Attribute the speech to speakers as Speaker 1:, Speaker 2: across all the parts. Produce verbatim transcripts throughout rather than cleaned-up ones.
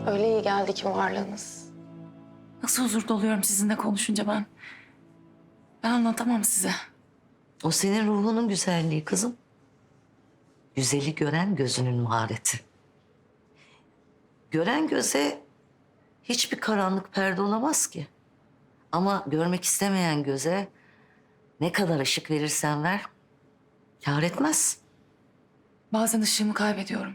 Speaker 1: Öyle iyi geldi ki varlığınız.
Speaker 2: Nasıl huzur doluyorum sizinle konuşunca ben. Ben anlatamam size.
Speaker 3: O senin ruhunun güzelliği kızım. Güzeli gören gözünün mahareti. Gören göze hiçbir karanlık perde olamaz ki. Ama görmek istemeyen göze ne kadar ışık verirsen ver, kâr etmez.
Speaker 2: Bazen ışığımı kaybediyorum.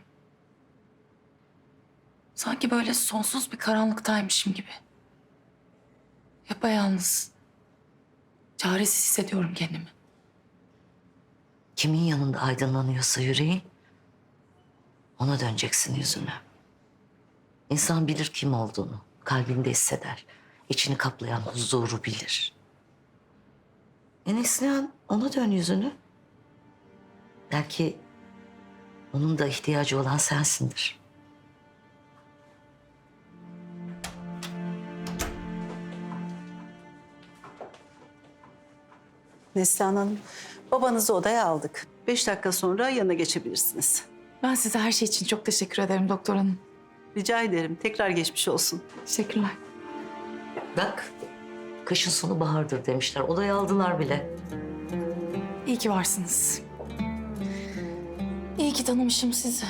Speaker 2: Sanki böyle sonsuz bir karanlıktaymışım gibi. Yapayalnız, çaresiz hissediyorum kendimi.
Speaker 3: Kimin yanında aydınlanıyorsa yüreğin, ona döneceksin yüzünü. İnsan bilir kim olduğunu, kalbinde hisseder. İçini kaplayan huzuru bilir. E Neslihan, ona dön yüzünü. Belki onun da ihtiyacı olan sensindir.
Speaker 4: Neslihan Hanım, babanızı odaya aldık. Beş dakika sonra yanına geçebilirsiniz.
Speaker 2: Ben size her şey için çok teşekkür ederim doktor hanım.
Speaker 4: Rica ederim. Tekrar geçmiş olsun.
Speaker 2: Teşekkürler.
Speaker 3: Bak, kışın sonu bahardır demişler. Odaya aldılar bile.
Speaker 2: İyi ki varsınız. İyi ki tanımışım sizi.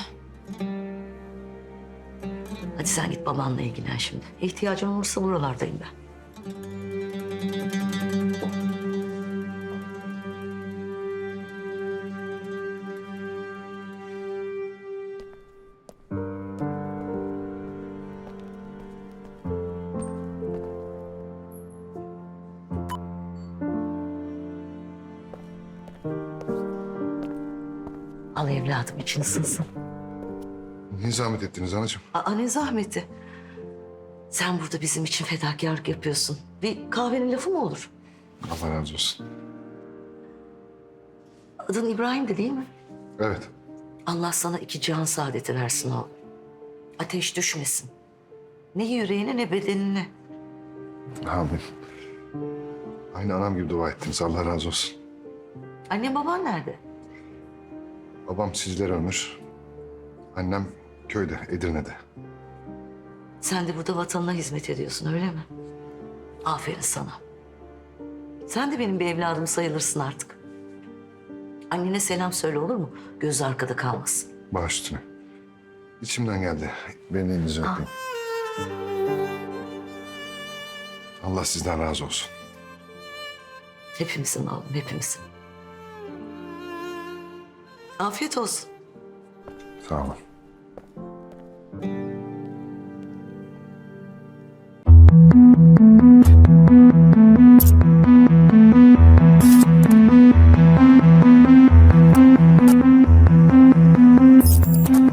Speaker 3: Hadi sen git babanla ilgilen şimdi. İhtiyacın olursa buralardayım ben. Al evladım, için ısınsın.
Speaker 5: Niye zahmet ettiniz anacığım?
Speaker 3: Aa, ne zahmeti. Sen burada bizim için fedakarlık yapıyorsun. Bir kahvenin lafı mı olur?
Speaker 5: Allah razı olsun.
Speaker 3: Adın İbrahim'di değil mi?
Speaker 5: Evet.
Speaker 3: Allah sana iki cihan saadeti versin oğlum. Ateş düşmesin. Ne yüreğine ne bedenine.
Speaker 5: Amin. Aynı anam gibi dua ettiniz. Allah razı olsun.
Speaker 3: Anne baban nerede?
Speaker 5: Babam sizlere ömür. Annem köyde, Edirne'de.
Speaker 3: Sen de burada vatanına hizmet ediyorsun öyle mi? Aferin sana. Sen de benim bir evladım sayılırsın artık. Annene selam söyle olur mu? Gözü arkada kalmasın.
Speaker 5: Baş üstüne. İçimden geldi. Benim elinizi öpeyim. Allah sizden razı olsun.
Speaker 3: Hepimizin oğlum, hepimizin. Afiyet olsun.
Speaker 5: Sağ olun.
Speaker 6: Thank you.